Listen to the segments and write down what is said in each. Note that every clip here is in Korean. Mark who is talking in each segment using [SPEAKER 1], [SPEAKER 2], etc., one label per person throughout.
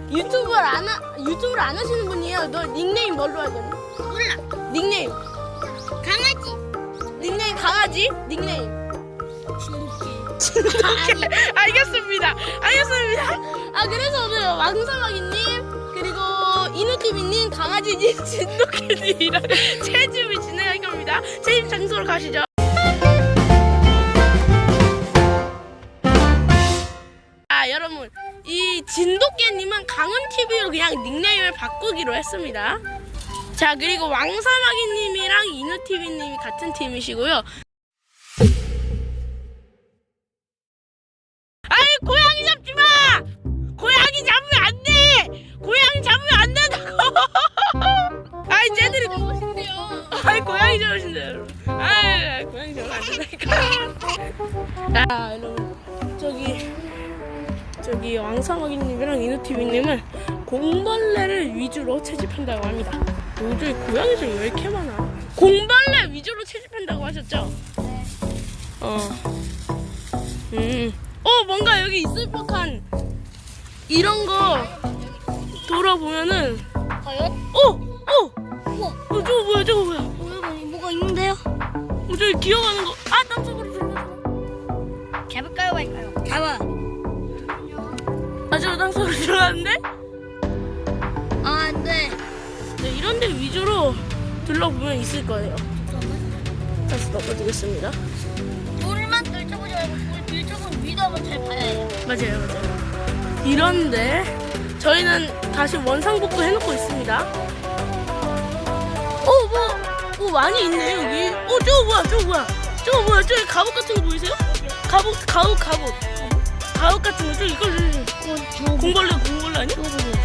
[SPEAKER 1] 유튜브를 안 하시는 분이에요. 너 닉네임 뭘로 하겠니?
[SPEAKER 2] 몰라.
[SPEAKER 1] 닉네임.
[SPEAKER 2] 강아지.
[SPEAKER 1] 닉네임 강아지? 닉네임.
[SPEAKER 2] 진돗개.
[SPEAKER 1] 알겠습니다. 아, 그래서 오늘 왕사마귀님, 그리고 이누TV님, 강아지님, 진돗개님이랑 채집을 진행할 겁니다. 채집 장소로 가시죠. 아, 여러분, 이 진돗개님은 강은TV로 그냥 닉네임을 바꾸기로 했습니다. 자, 그리고 왕사마귀님이랑 이누TV님이 같은 팀이시고요. 아이, 고양이 잡지 마! 고양이 잡으면 안 돼! 고양이 잡으면 안 된다고! 아이, 쟤들이. 아이, 고양이 잡으신대요, 여러분. 아이, 고양이 잡으면 안 된다니까. 자, 여러분. 저기 왕사마귀님이랑 이누TV님은 공벌레를 위주로 채집한다고 합니다. 요즘 고양이들 왜 이렇게 많아? 공벌레 위주로 채집한다고 하셨죠? 네. 뭔가 여기 있을 법한 이런 거 돌아보면은.
[SPEAKER 2] 과연?
[SPEAKER 1] 저거 뭐야?
[SPEAKER 2] 뭐가 있는데요?
[SPEAKER 1] 저기 기어가는 거. 아, 땅속으로 들어가.
[SPEAKER 2] 잡을까요, 말까요? 잡아.
[SPEAKER 1] 아, 저 땅속으로 들어가는데?
[SPEAKER 2] 아, 안 돼.
[SPEAKER 1] 네, 이런 데 위주로 둘러보면 있을 거예요. 다시 넣어주겠습니다.
[SPEAKER 2] 돌만 들춰보지 말고 돌 들춰본 위도 한번 잘 봐야 해요.
[SPEAKER 1] 맞아요. 이런데 저희는 다시 원상복구 해놓고 있습니다. 많이 있네 여기. 저거 뭐야? 저기 갑옷 같은 거 보이세요? 갑옷 같은 거. 저 이걸 공벌레 아니야?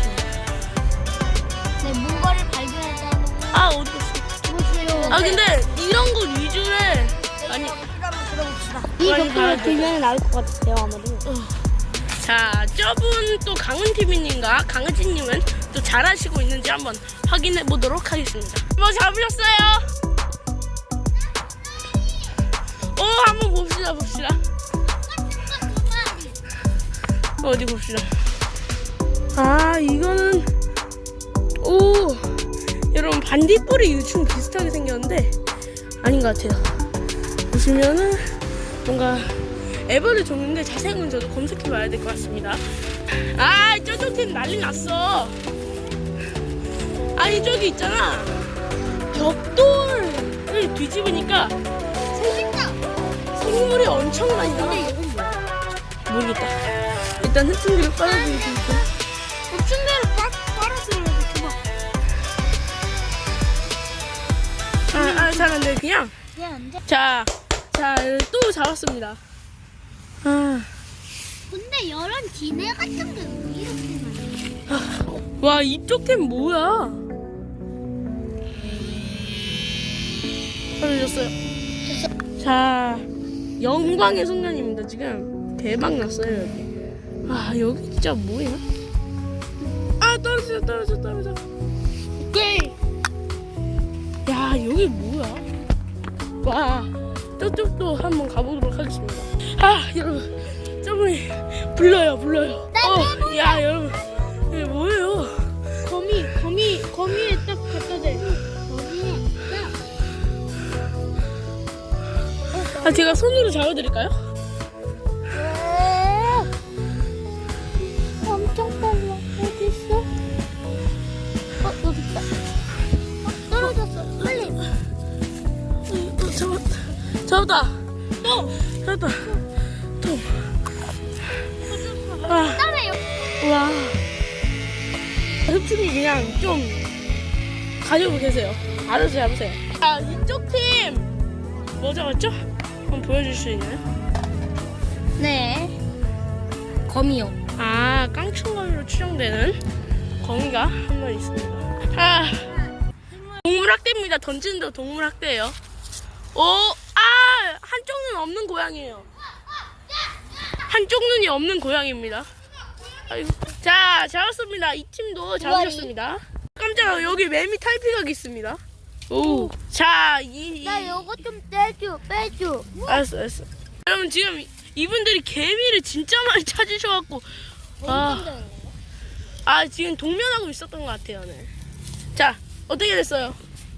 [SPEAKER 2] 네, 뭔가를 발견했다는 거.
[SPEAKER 1] 아, 어디 갔어?
[SPEAKER 2] 보세요.
[SPEAKER 1] 아, 근데 이런 거 위주에 아니.
[SPEAKER 2] 한번 들어봅시다.
[SPEAKER 1] 이 벽돌을
[SPEAKER 2] 들면 나올 것 같아요, 아마도.
[SPEAKER 1] 자, 저분 또 강은TV님과 강은지님은 또 잘하시고 있는지 한번 확인해 보도록 하겠습니다. 뭐 잡으셨어요? 한번 봅시다. 어디 봅시다. 아, 이거는 여러분 반딧불이 유충 비슷하게 생겼는데 아닌 것 같아요. 보시면은 뭔가 애벌레 종류인데 자세히는 저도 검색해봐야 될 것 같습니다. 아, 저쪽 팀 난리 났어. 아니, 저기 있잖아, 벽돌을 뒤집으니까 생물이 엄청 많이 나와. 모르겠다. 일단 흡충기를 빨아들이고.
[SPEAKER 2] 흡충대로 빨아들여야 돼, 그만.
[SPEAKER 1] 잘 안 돼, 그냥.
[SPEAKER 2] 안 돼.
[SPEAKER 1] 자, 또 잡았습니다.
[SPEAKER 2] 근데 이런 기내 같은 게 왜 이렇게 많아?
[SPEAKER 1] 와, 이쪽 팀 뭐야? 떨어졌어요. 자, 영광의 순간입니다. 지금 대박 났어요 여기. 아, 여기 진짜 뭐야? 아, 떨어져. 오케이. 야, 여기 뭐야? 와, 저쪽도 한번 가보도록 하겠습니다. 아, 여러분, 저분이 불러요. 야, 여러분, 이게 뭐예요?
[SPEAKER 2] 거미에 딱 갖다 대.
[SPEAKER 1] 아, 제가 손으로 잡아드릴까요?
[SPEAKER 2] 엄청 빨라. 어디 있어? 여기 있다. 떨어졌어. 빨리.
[SPEAKER 1] 잡았다.
[SPEAKER 2] 따라요.
[SPEAKER 1] 와, 흡충이 그냥 좀 가지고 계세요. 알아서 잡으세요. 아, 이쪽 팀 뭐 잡았죠? 한번 보여줄 수 있나요?
[SPEAKER 2] 네. 거미요.
[SPEAKER 1] 아, 깡충거미로 추정되는 거미가 한 마리 있습니다. 아, 동물학대입니다. 던지는 데 동물학대예요. 한쪽 눈 없는 고양이에요. 한쪽 눈이 없는 고양이입니다. 아이고. 자, 잡았습니다. 이 팀도 잡으셨습니다. 깜짝이야, 여기 매미 탈피각이 있습니다. 오. 자,
[SPEAKER 2] 나 요거 좀 빼줘.
[SPEAKER 1] 알았어. 여러분, 지금 이분들이 개미를 진짜 많이 찾으셔갖고 아 지금 동면하고 있었던 것 같아요. 네. 자 어떻게 됐어요?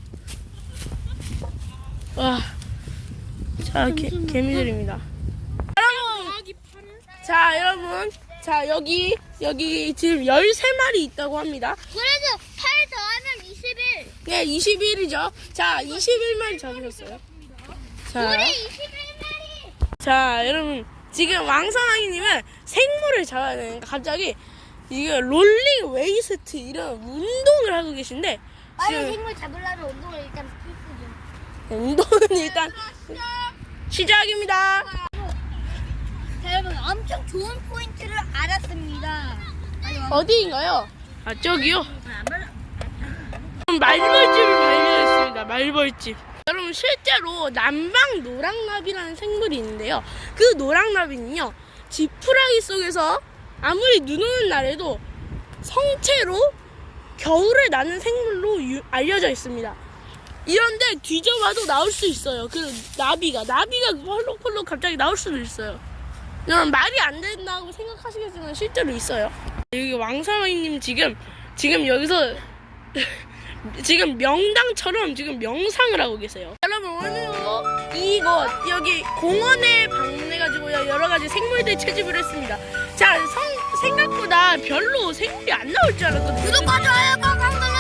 [SPEAKER 1] 와, 자 개미들입니다. 여러분, 자 여러분, 자 여기 지금 13마리 있다고 합니다.
[SPEAKER 2] 그래서 8 더하면 21.
[SPEAKER 1] 네, 21이죠. 자 21마리 잡으셨어요. 자,
[SPEAKER 2] 우리 21마리.
[SPEAKER 1] 자 여러분 지금 왕사랑이님은 생물을 잡아야 되니까 갑자기 이게 롤링 웨이스트 이런 운동을 하고 계신데
[SPEAKER 2] 빨리
[SPEAKER 1] 지금
[SPEAKER 2] 생물 잡으려면 운동을 일단 필수죠.
[SPEAKER 1] 운동은 일단 시작입니다.
[SPEAKER 2] 자, 여러분 엄청 좋은 포인트를 알았습니다.
[SPEAKER 1] 어디인가요? 아 저기요. 말벌집을 발견했습니다. 말벌집. 여러분 실제로 남방 노랑나비라는 생물이 있는데요. 그 노랑나비는요 지푸라기 속에서 아무리 눈 오는 날에도 성체로 겨울에 나는 생물로 알려져 있습니다. 이런데 뒤져봐도 나올 수 있어요. 그 나비가 펄럭펄럭 갑자기 나올 수도 있어요. 여러분 말이 안 된다고 생각하시겠지만 실제로 있어요. 여기 왕사마이님 지금 여기서 지금 명당처럼 지금 명상을 하고 계세요. 여러분 오늘도 이곳 여기 공원에 방문해가지고요 여러 가지 생물들 채집을 했습니다. 자 생각보다 별로 생물이 안 나올 줄 알았거든요.
[SPEAKER 2] 구독과 좋아요 꽉꽉